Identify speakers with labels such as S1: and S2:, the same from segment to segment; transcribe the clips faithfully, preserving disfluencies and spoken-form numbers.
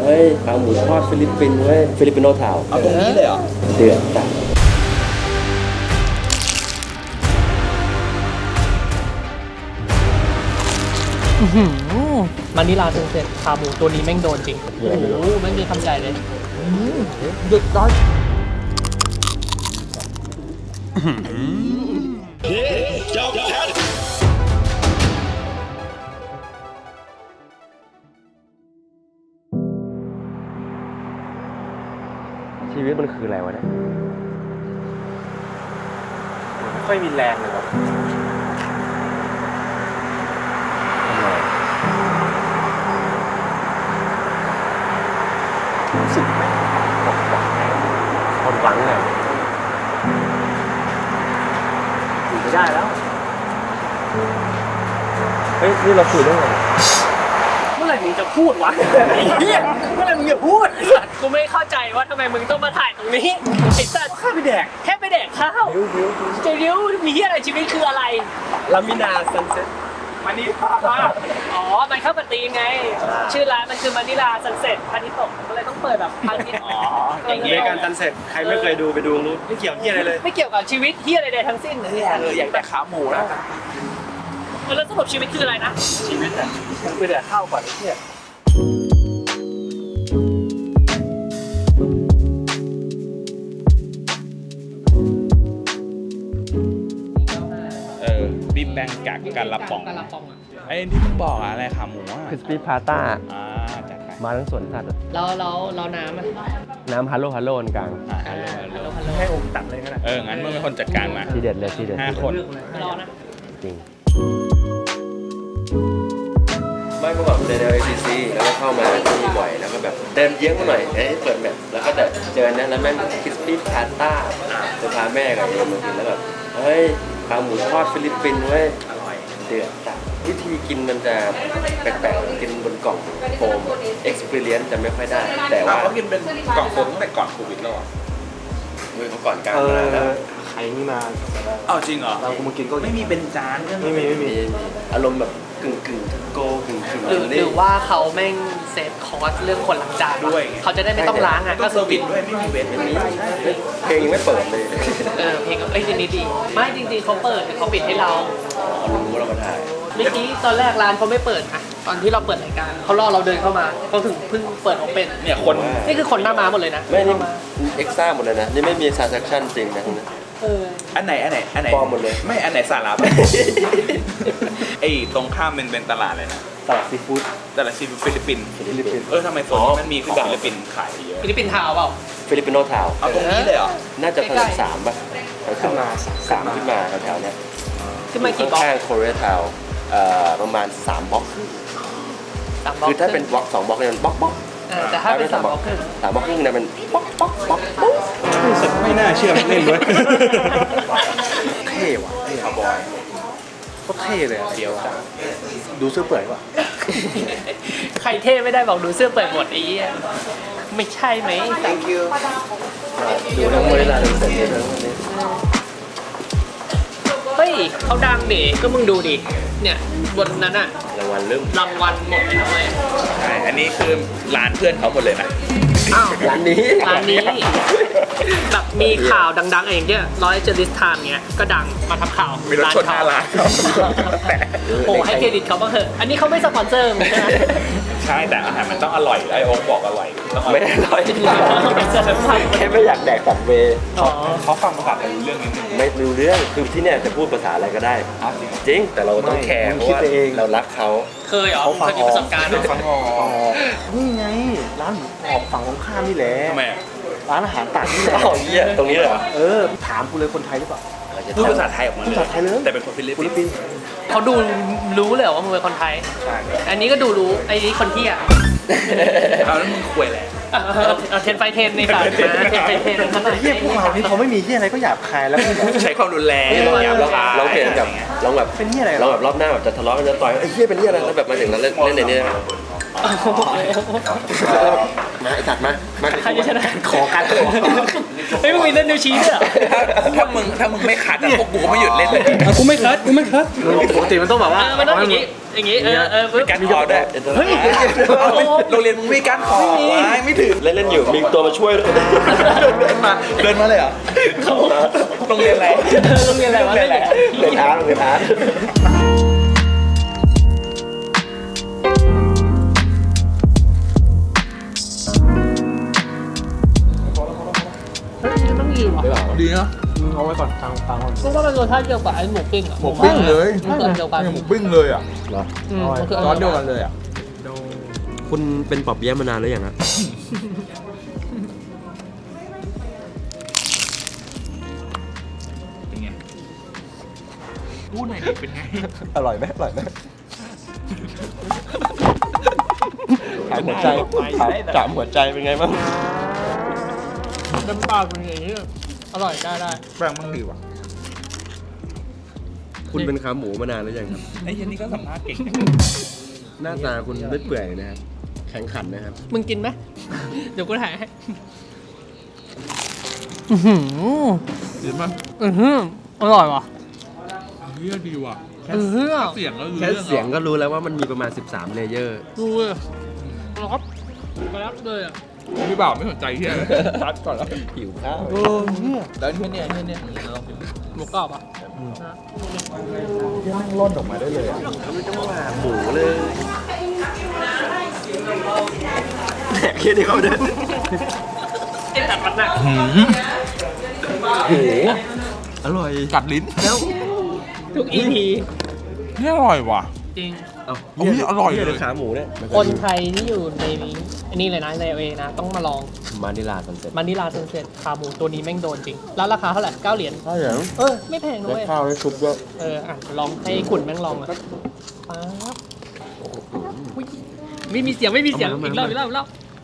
S1: ฮ้ยขาหมูทอดฟิลิปปินส์เว้ยฟิลิปปินโนทาวน์
S2: เอาตรงนี้เลยเหรอ
S1: เดือดจัด
S3: มันนี่ลาเซนเซ็ตขาหมูตัวนี้แม่งโดนจริงโอ้โหแม่งมีคำใหญ่เลยหยุดร้อย
S1: ชีวิตมันคืออะไรวะเนี่ย
S2: ไม่ค่อยมีแรงเลยว่ะรู้สึกไหมคนหวังเลยอยู่ไม่ได้แล้วเฮ้ยนี่เราคุยเรื่องอะไร
S3: เมื่อไหร่มึงจะพูดวะไอ้เหี้ยเมื่อไหร่มึงจะพูดกูไม่เข้าใจว่าทำไมมึงต้องมาถ่ายตรงนี้ไอ้สัตว์แค่ไปแดกแค่ไปแดกข้าวจะเลี้ยวมีเหี้ยอะไรชีวิตคืออะไร
S1: ลามินาซันเซ็ต
S3: มานิลาอ๋อมันเข้ากับธีมไงชื่อร้านมันคือมานิลาซันเซ็ตพานิตกก็เลยต้องเปิดแบบพานิตอ๋ออย่างเงี้ยการซันเซ็ตใครไม่เคยดูไปดูรู้ไม่เกี่ยวเหี้ยอะไรเลยไม่เกี่ยวกับชีวิตเหี้ยอะไรใดทั้งสิ้นเลย
S2: เอออยากแต่ขาหมูนะ
S3: แล้วสรุปชีวิตคืออะไรนะ
S2: ชีวิตอ่ะไปแต่ข้าวก่อนไอ้เหี้ย
S4: เออบิ๊บแบงกักกันละป่องไอ้ที่มึงบอกอะไรขาหมูอ่ะ
S1: คริสปี้พาต้า
S4: อ่าจัดไป
S1: มาทั้งสวนสัตว์
S3: เราเราเราน้ำอ่ะ
S1: น้ำฮัลโหลฮัลโหลกลาง
S4: อ่าฮัลโหลฮัลโหล
S2: ให้องค์ตัดเลยกันนะ
S4: เอองั้นมึงเป็นคนจัดการมา
S1: ทีเด็ดเลยทีเด็ด
S4: ห้าคน
S3: รอนะ
S1: จริงไม่ก็แบบเดินใน เอ ซี ซี แล้วก็เข้ามาที่นี่บ่อยแล้วก็แบบเดินเยื้องมาหน่อยเอ้ยเปิดแมปแล้วก็แบบเจอเนี่ยแล้วแม่งคริสปี้พาต้าจะพาแม่กับเอ็มมากินแล้วแบบเฮ้ยขาหมูทอดฟิลิปปินส์เว้ยอร่อยเดือดจัดวิธีกินมันจะแปลกๆกินบนกล่องโฟม experience จะไม่ค่อยได้แต่ว่า
S2: เขากินเป็นกล่องโฟมตั้งแต่ก่อนโควิดแล้วอ่ะ
S1: มือเขาก่อนกลางมาแล้ว
S2: ใครนี่มา
S4: อ้าวจริงเหรอ
S2: เรากูมากินก็ไม่มีเป็นจานไม่มีไม่มี
S1: มีอารมณ์แบบกึ่งกึ่งโกกึ่งกึ่ง
S3: หรือหรือว่าเขาแม่งเซฟคอสเรื่องคนล้างจานด้วยเขาจะได้ไม่ต้องล้างอ่ะก็คือปิด
S2: ด้วยไม่มีเวท
S1: ไม่มีเพลงยังไม่เปิดเลย
S3: เออเพลงเอ้ยทีนี้ดีไม่จริงๆเขาเปิดแต่เขาปิดให้เรา
S1: รู้เรามาถ่าย
S3: เมื่อกี้ตอนแรกร้านเขาไม่เปิดอะตอนที่เราเปิดรายการเขารอเราเดินเข้ามาเขาถึงเพิ่งเปิดโอเพ่น
S4: เนี่ยคน
S3: นี่คือคนหน้าม้าหมดเลยนะ
S1: ไม่นี่เอ็กซ่าหมดเลยนะนี่ไม่มี transaction จริงนะทั้งนั้น
S3: เออ
S4: อันไหนอันไหนอันไหน
S1: ปลอมหมดเลย
S4: ไม่อันไหนสาระไอ้ตรงข้ามเป็นเป็นตลาดเลยนะ
S1: ตลาดซีฟู้ด
S4: ตลาดซีฟู้ดฟิลิปปินส์
S1: ฟิลิปปินส์
S4: เออทำไมโซนนี้มันมีของฟิลิปปินส์ขายเยอะ
S3: ฟิลิปปินส์ทาวน์เปล่า
S1: ฟิลิปปินโนทาวน์
S4: เอาตรงนี้เลยเหรอ
S1: น่าจะถนนสามป่ะขึ้นมาสามขึ้นมาแถวๆเนี้ย
S3: ขึ้นมากี่บล็อก
S1: ข้างโคเรียทาวน์เอ่อประมาณสามบล็อก
S3: สามบล็อก
S1: คือถ้าเป็นบล็อกสองบล็อกเนี่ยมันบล็อกบล็อก
S3: เออแต่ถ้าเป็นสามบล็อกครึ่ง
S1: สามบล็อกครึ่งเนี่ยมันบล็อกบล็อกบล็อกปุ๊บ
S2: รู้สึกไม่น่าเชื่อเล่นด้วยเท่ว่ะเท่คาร์บอยก็เท่เลยเดียวจังดูเสื้อเปื่อยว่ะ
S3: ใครเท่ไม่ได้บอกดูเสื้อเปิดหมดไอ้เหี้ยไม่ใช่ไหม
S2: thank you
S1: ดูทั้งโมเดลลาทั้งเสร็จเลยทั้งวันนี้
S3: เฮ้ยเขาดังดิก็มึงดูดิเนี่ยบนนั้นอะ
S1: รางวัลเริ่ม
S3: รางวัลหมดเลยนะเว้ย
S4: ใช่อันนี้คือร้านเพื่อนเขาหมดเลยนะ
S3: อ้าว
S1: ร้านนี้
S3: ร้านนี้แบบมีข่าวดังๆเองเนี่ยร้อยเจอริสทามเนี้ยก็ดังมาทำข่าว
S4: มีรถชนหน้าร้านเขาแต่
S3: โอ้ให้เครดิตเขาบ้างเถอะอันนี้เขาไม่สปอนเซอร์มึงใช่ไหม
S4: ใช่แต่อาหารมันต้องอร่อยไอ้โอ๊คบอกอร่อยต้องอร่อย
S1: ไม่อร่อยแค่ไม่อยากแดกสับเวย์
S3: อ๋อ
S4: เขาฟังภาษาไทยรู้เรื่องนิดนึง
S1: ไม่รู้เรื่องคือที่เนี่ยจะพูดภาษาอะไรก็ได้
S4: อ้าวจริง
S1: จริงแต่เราต้องแคร์เพราะว่าเรารักเขา
S3: เคยเหรอเคยมีประสบการณ์เหรอ
S4: ฟังออก
S2: นี่ไงร้านหมูกรอบฝั่งตรงข้ามนี่แหละ
S4: ทำไมอ่ะ
S2: ร้านอาหารต่างนี่แหละ
S1: อ้าวเหี้ยตรงนี้เหรอ
S2: เออถามกูเลยคนไทยหรือเปล่า
S4: พูดภาษาไทยออกมา
S2: พูดภาษาไทยเลย
S4: แต่เป็นคนฟิลิป
S2: ฟิ
S4: ปิ
S2: ลิ
S4: น
S2: ป
S4: ส์
S2: ปินส์
S3: เขาดูรู้เลยเหรอว่ามึงเป็นคนไทย
S4: ใช่
S3: อันนี้ก็ดูรู้ไอ้นี่คนที่อ่ะ
S4: เอาแล้วมึงคุยแหละ
S3: เทนไฟเทนในสายนะเทนไฟเทนขนาด
S2: เฮียพวกเรานี่พอไม่มีเฮียอะไรก็หยาบคายแล้ว
S4: ใช้ความรุนแรง
S1: ลอง
S4: หยาบ
S1: ลอง
S4: คาย
S1: ลองเปลี่ยนกับลองแบบ
S2: เป็นเฮียอะไร
S1: ลองแบบรอบหน้าแบบจะทะเลาะกันจะต่อยไอ้เหี้ยเป็นเหี้ยอะไรแล้วแบบมาถึงแล้วเล่นเล่นในนี้นะมาไอ้สัตว์มามา
S3: ใครจะชนะ
S2: ขอการขอ
S3: เฮ้ยมึงมีเล่นนิ้วชี้ด้วยเหรอ
S4: ถ้ามึงถ้ามึงไม่คัดอะพวกกูก็ไม่หยุดเล่นเลย
S2: อ่ะกูไม่คัดกูไม่คัด
S1: ปกติมันต้องแบบว่า
S3: เออมันต้องอย่างงี้อย่างงี้เออเออปึ๊บ
S4: การคอด้วย
S3: เฮ้ย
S4: โรงเรียนมึงไม่การคอวะไม่ถึง
S1: เล่นเล่นๆอยู่มีตัวมาช่วยด้วย
S4: เดินมาเดินมาเลยเหรอโรงเรียนอะไร
S3: โรงเรียนอะไรวะ
S4: โรงเรียนอะไร
S1: เล่นอาร์ตเล่นอาร์ต
S3: เฮ้ยมันต้องดีว่ะ
S2: ดีนะมึงเอาไว้ก่อนทางฟังก่อน
S3: ก็ว่ามันรสชาติเดียวกับไอ้หมูปิ้งอ่ะ
S2: หมูปิ้งเลย
S3: มันเกิดเดียวกัน
S2: หมูปิ้งเลยอ่ะ
S1: เหรอ
S3: อืมมันคือ
S2: ซอสเดียวกันเลยอ่ะ
S1: คุณเป็นปอบเปี้ยะมานานหรือยังครับ
S4: เป็นไงพูดหน่อยดิเป็นไง
S1: อร่อยไหมอร่อยไหมถามหัวใจถามถามหัวใจเป็นไงบ้าง
S3: เต็มปากเป็นอย่างนี้อร่อยได้ได้
S2: แป้งมันดีว่ะ
S1: คุณเป็นขาหมูมานานหรือยังครับ
S4: ไอ้เหี้ยันนี่ก็สัมภาษณ์เก่ง
S1: หน้าตาคุณไม่เปื่อยนะครับแข็งขันนะครับ
S3: มึงกินไหมเดี๋ยวกูถ่ายให้อือหือ
S2: ดีมั้ย
S3: อือหืออร่อยว่ะ
S2: เฮียดีว่ะ
S3: อือหือ
S2: เสียงก็รู้
S1: แค่
S2: เรื่อง
S1: เสียงก็รู้แล้วว่ามันมีประมาณ สิบสาม เลเยอร์
S3: ดูเลยครับกระลับเลยอ่ะ
S2: พี่บ่าวไม่สนใจเฮียตัดก่อนแล้ว
S1: หิวข้าว
S2: เออเนี่ยแล้วเนี่ยเนี่ยเนี่ยเนี่ยลองกิน
S3: หมูกรอบอ่ะ
S2: เฮียแม่งร่นออกมาได้เลยอ่ะ
S1: ทำไมต้องว่าหมูเลยแดกแค่นี้เขาเดิน
S3: ไอ้ตัดมันหนัก
S1: โอ้โหอร่อย
S2: กัดลิ้นแล้ว
S3: ทุกอีพี
S2: เนี่ยอร่อยว่ะ
S3: จริง
S1: เอ้า
S2: อุ๊ยอร่อยเลย
S1: นี่ขาหมูเนี่ย
S3: คนไทยที่อยู่ในนี้อันนี้เลยนะในเอนะ ต้องมาลอง
S1: มานิลาซันเซ็ต
S3: มันนิลาเซนเซ็ตขาหมูตัวนี้แม่งโดนจริง แล้วราคาเท่าไหร่เก้าเหรียญ
S1: ใช่เหรอ
S3: เออ ไม่แพงนะ
S1: ได้
S3: เว้ย
S1: ข้าวได้ซุปด้วย
S3: เออ อ่ะ ลองให้ขุนแม่งลองอ่ะป๊าบอุ๊ยไม่มีเสียงไม่มีเสียง
S1: เอามา
S3: อีกรอบ
S1: เอามา
S3: อีกรอบอีกรอบ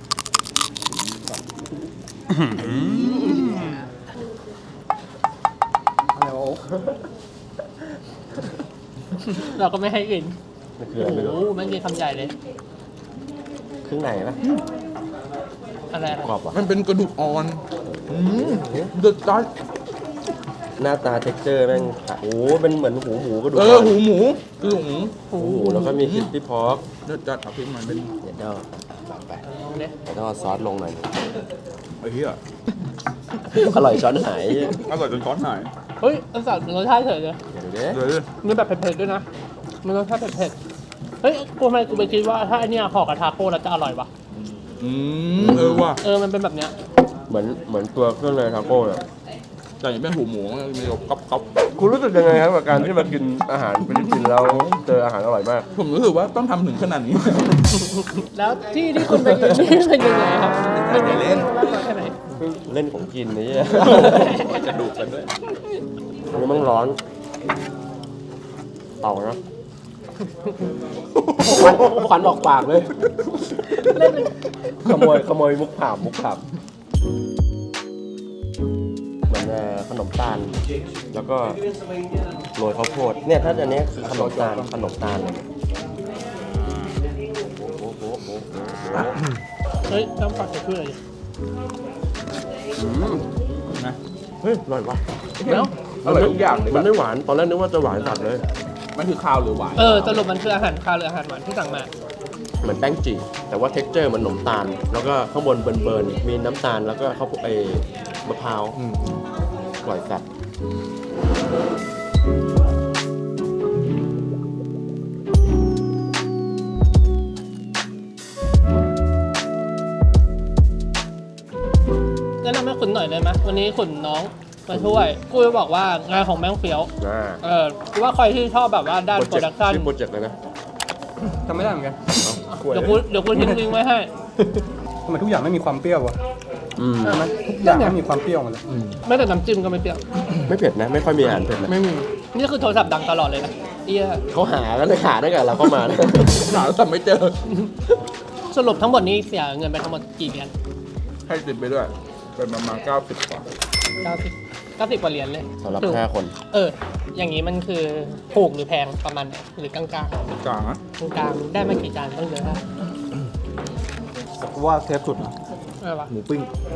S3: เราก็ไม่ให้กิน
S1: มันคือ
S3: โอ้
S1: อะไรไม่
S3: โห
S1: รู้
S3: แม่งกินคำใหญ่เลย
S1: เครื่องในปะ
S3: อะไรอะไร
S1: กรอบปะ
S2: มันเป็นกระดูกอ่อนอืมเดือดจัด
S1: หน้าตาเท็กเจอร์แม่งโอ้โหเป็นเหมือนหูหมูก็ดู
S2: เออหูหมูคือหู
S3: โอ้
S1: หู
S3: โห
S1: หมูแล้วก็มีคิสปี้พอก
S2: เดือดจัดเอาพริกมันเป็น
S1: เดี๋ยวเดี๋ยวไป
S3: ลองดิ
S1: เดี๋ยวต้องเอาซอสลงหน่อย
S2: ไอ้เหี้ย
S1: อร่อยช้อนหาย
S2: อร่อยจนช้อนหาย
S3: เฮ้ยอันสัตว์รสชาติเฉยเลย
S1: เดี๋ยวดูดิ
S2: เดี๋ยวดิ
S3: มันแบบเผ็ดๆด้วยนะ มันรสชาติเผ็ดๆ เฮ้ยกูทำไมกูไปคิดว่าถ้าอันเนี้ยห่อกับทาโก้แล้วจะอร่อยวะ
S2: อืมเออว่ะ
S3: เออ มันเป็นแบบเนี้ย
S1: เหมือนเหมือนตัวเครื่องในทาโก้เลย
S2: แต่ยังเป็นหูหมูมันมีแบบก๊อบก๊อบ
S1: คุณรู้สึกยังไงครับกับการที่มากินอาหารฟิลิปปินส์แล้วเจออาหารอร่อยมาก
S2: ผมรู้สึกว่าต้องทำถึงขนาดนี้
S3: แล้วที่ที่คุณไปกินนี่เป็นยังไงครับมันเป็น
S2: เล่น
S3: มากน้อยแค่ไหน
S1: เล่นของกินนี่
S2: จะดูกันด้วย
S1: อันนี้มันร้อนเอานะควันควันออกปากเลย
S3: เล่นเป็น
S1: ขโมยขโมยมุกผาบมุกผาบเหมือนเอ่อขนมตาล แล้วก็โรยข้าวโพดเนี่ยถ้าอันนี้คือขนมตาลขนมตาลเลยโอ้โหโอ้โหโอ้โหโอ้โห
S3: เฮ้ยน้ำปัดจะช่วยอะไร
S1: อืม
S2: นะ
S1: เฮ้ยอร่อยว่ะ
S3: แล้ว
S2: อร่อยทุกอย่างเลย
S1: มันไม่หวานตอนแรกนึกว่าจะหวานจัดเลย
S2: มันคือข้าวหรือหวาน
S3: เออสรุปมันคืออาหารคาวหรืออาหารหวานที่สั่งมา
S1: เหมือนแป้งจีแต่ว่าเท็กเจอร์มันขนมตาล แล้วก็ข้างบนเบิร์นๆมีน้ำตาลแล้วก็ข้าวโพดไอ้มะพร้าวอร่อยจัด
S3: แนะนำให้ขุนหน่อยได้ไหมวันนี้ขุนน้องมาช่วย กูจะบอกว่างานของแม่งเฟี้ยว
S1: อ่า
S3: เออกูว่าใครที่ชอบแบบว่าด้านโปรดักชั่น
S1: ชื่อโปรเจกต์เลยนะ
S2: ทำไม่ได้เหมือนกัน
S3: เดี๋ยวกูเดี๋ยวกูทิ้งลิงก์ไว้ให้
S2: ทำไมทุกอย่างไม่มีความเปรี้ยววะ
S1: อืม
S3: ใช่ไหม
S2: ทุกอย่างไม่มีความเปรี้ยวมาเลย
S3: แม้แต่น้ำจิ้มก็ไม่เปรี้ยว
S1: ไม่เผ็ดนะ ไม่ค่อยมีอาหารเผ็ดนะ
S3: ไม่มี นี่คือโทรศัพท์ดังตลอดเลยนะเอีย
S1: เขาหากันเลยหาได้กับเราเข้ามานะ
S2: หาแต่ไม่เจอ
S3: สรุปทั้งหมดนี้เสียเงินไปทั้งหมดกี่เหรียญ
S2: ให้ติดไปด้วย เป็นประมาณเก้าสิบกว่า
S3: เก้าสิบเก้าสิบกว่าเหรียญเลย
S1: สำหรับ
S3: ถูก
S1: ห้าคน
S3: เออ อย่างนี้มันคือถูกหรือแพงประมาณไหนหรือกลางๆกลาง
S2: กลางนะ
S3: ๆกลางๆได้มากี่จานต้องเยอะนะ
S2: ว่าเทปสุดนะ
S3: อะไรวะ
S2: หมูปิ้ง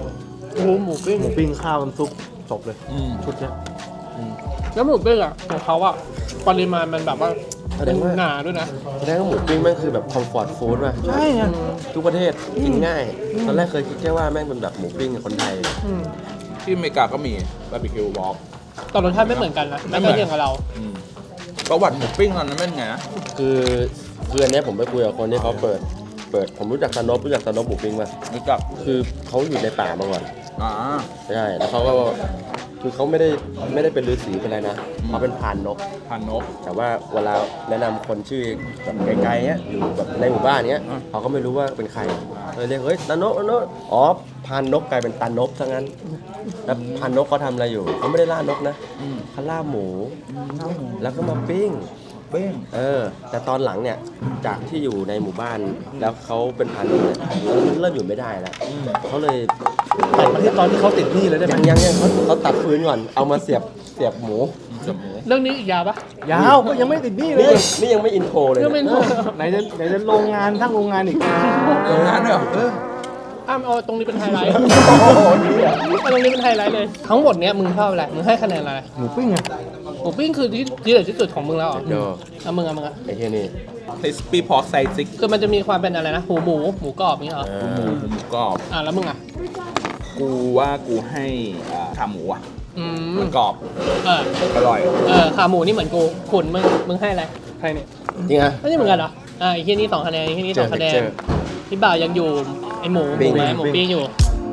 S3: โอ้หมูปิ้ง
S2: หมูปิ้งข้าวน้ำซุปจบเลย
S4: อืม
S2: ชุดเนี้ย
S3: แล้วหมูปิ้งอ่ะของเขาอ่ะปริมาณมันแบบว่า
S1: แสดงว่า
S3: หนาด้วยนะ
S1: แสดงว่าหมูปิ้งแม่งคือแบบคอมฟอร์ตฟู้ดว่ะ
S2: ใช่ไง
S1: ทุกประเทศกินง่าย ตอนแรกเคยคิดแค่ว่าแม่งเป็นแบบหมูปิ้งกับคนไทย
S3: อืม
S4: ที่อเมริกาก็มีบาร์บีคิววอล์ก
S3: แต่รสชาติไม่เหมือนกันนะ
S4: ไม่
S3: ไม่
S4: เหมือน
S3: ใช่เทียงกับเรา
S4: ประวัติหมูปิ้งตอนนั้นเป็นไงนะ
S1: คือคืออันเนี้ยผมไปคุยกับคนที่เขาเปิด เปิด ผมรู้จักตานบรู้จักตานบหมูปิ้งป่ะ
S4: รู้จัก
S1: คือเขาอยู่ในป่ามาก่อน
S4: อ่า
S1: ใช่ แล้วเขาก็ คือเขาไม่ได้ไม่ได้เป็นฤาษีเป็นอะไรนะ เขาเป็นพรานนก
S4: พันนก
S1: แต่ว่าเวลาแนะนำคนชื่อแบบไกลๆเนี้ยอยู่แบบในหมู่บ้านเนี้ย
S4: อ่ะ
S1: เขาก็ไม่รู้ว่าเป็นใครเลยเรียกเฮ้ยตานกตานกอ๋อพรานนกกลายเป็นตานบซะงั้นแล้วพรานนกเขาทำอะไรอยู่เขาไม่ได้ล่านกนะ
S4: อืม
S1: เขาล่าหมู
S4: ข้าวหมู
S1: แล้วก็มาปิ้ง
S4: เบ้ง
S1: เออ แต่ตอนหลังเนี่ยจากที่อยู่ในหมู่บ้านแล้วเขาเป็นพรานนกเนี่ยเริ่มอยู่ไม่ได้แล้วเขาเลย
S2: ตัดมาที่ตอนที่เขาติดหนี้เลยได้ไหม
S1: ยังยังยังเขาเขาตัดฟืนก่อนเอามาเสียบเสียบหมู
S4: เกือบหมู
S3: เรื่องนี้อีกยาวปะ
S2: ยาวก็ยังไม่ติดหนี้เล
S1: นี่
S2: ย
S1: ยังนี่ยังไม่อินโทรเลย
S3: เรื่องไม่
S1: เนี่ย
S3: รู้
S2: ไหนจะไหนจะโรงงานทั้งโรงงานอีก
S4: โรงงานด้วยเหรอเออ
S3: อ้ามเอาตรงนี้เป็นไฮไลท์เอาตรงนี้เป็นไฮไลท์เลย ทั้งหมดเนี้ยมึงชอบอะไร มึงให้คะแนนอะไร
S2: หมูปิ้งไง
S3: หมูปิ้งคือที่ที่เด็ดที่สุดของมึงแล้วเหรอ
S1: เดี๋ยว
S3: เอามึงเอามึงอะ
S1: ไอ้เฮียนี่
S4: คริสปี้พอร์กไซซิก
S3: คือมันจะมีความเป็นอะไรนะหูหมูหมูกรอบนี้เหรอ
S1: เอ
S4: หมู
S1: อ
S4: หมูกรอบ
S3: อ่ะแล้วมึงอ่ะ
S4: กูว่ากูให้อ่าขาหมูอ่ะ
S3: อืม
S4: มันกรอบ
S3: เออ
S4: อร่อย
S3: เออขาหมูนี่เหมือนกูขุนมึงมึงให้อะไรใครเนี่ย
S1: จริงอ่ะ
S3: ไม่ใช่เหมือนกันเหรออ่าอีกที่นี่สองคะแนนอีกที่นี่สองคะแนน
S1: เจอ
S3: พี่บ่าวยังอยู่ไอหมูห
S1: ปิ้
S3: มู
S1: ง
S3: ไหมหมูปิ้งอยู่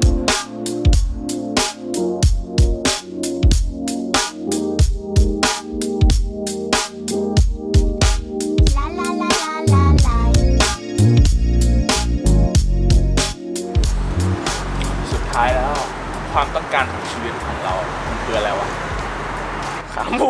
S5: La la la la la la.
S4: สุดท้ายแล้ว ความต้องการของชีวิตของเรา มันคืออะไรวะ ขาหมู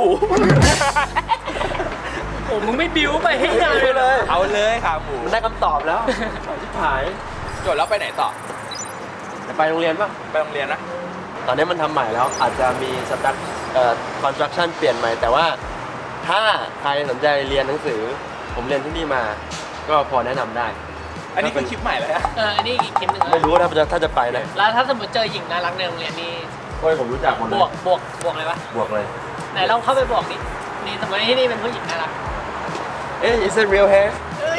S3: โอ้มึงไม่บิ้วไปให้นานเลย
S4: เอาเลยขาหมู
S1: มันได้คำตอบแล้วชิบหาย
S4: จบแล้วไปไหนต่อ
S1: จะไปโรงเรียนป่ะ
S4: ไปโรงเรียนนะ
S1: ตอนนี้มันทำใหม่แล้ว อาจจะมีสตั๊กเอ่อคอนสตรักชั่นเปลี่ยนใหม่ แต่ว่าถ้าใครสนใจเรียนหนังสือ ผมเรียนที่นี่มา ก็พอแนะนำได้
S4: อันนี้คือคลิปใหม่เลยอะ
S3: เอออันนี้อีกคลิปหนึ่ง
S1: ไม่รู้ว่าถ้าจะถ้าจะไปนะ
S3: แล้วถ้าสมมติเจอหญิงน่ารักในโรงเรียนนี่
S1: โอ้ยผมรู้จักหมดเล
S3: บ
S1: ยว
S3: กบวกบวกอะไรวะ
S1: บวกเลย
S3: ไหนลองเข้าไปบอกนี่นี่สมมติที่นี่เป็นผู้หญิงน่ารัก
S1: เอ๊ะ is it real hair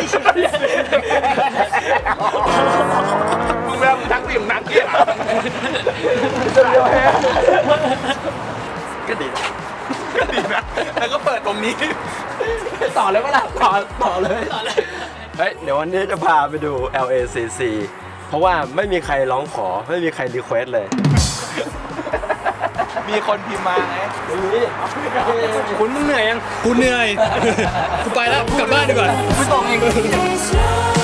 S4: มึงแบบนักวิ่งนักเกี่ย
S1: is it real hair ก็ดีนะ
S4: ดีนะ แล้วก็เปิดตรงนี้
S1: ต่อเลยก็ได้ต่อต่อเลยเฮ้ยเดี๋ยววันนี้จะพาไปดู แอล เอ ซี ซี เพราะว่าไม่มีใครร้องขอ ไม่มีใครรีเควสเลย
S4: มีคนพิมพ์มาไง
S1: นี่
S2: คุณมึงเหนื่อยยัง กูเหนื่อย กูไปแล้ว กลับบ้านดีกว่า
S5: There's no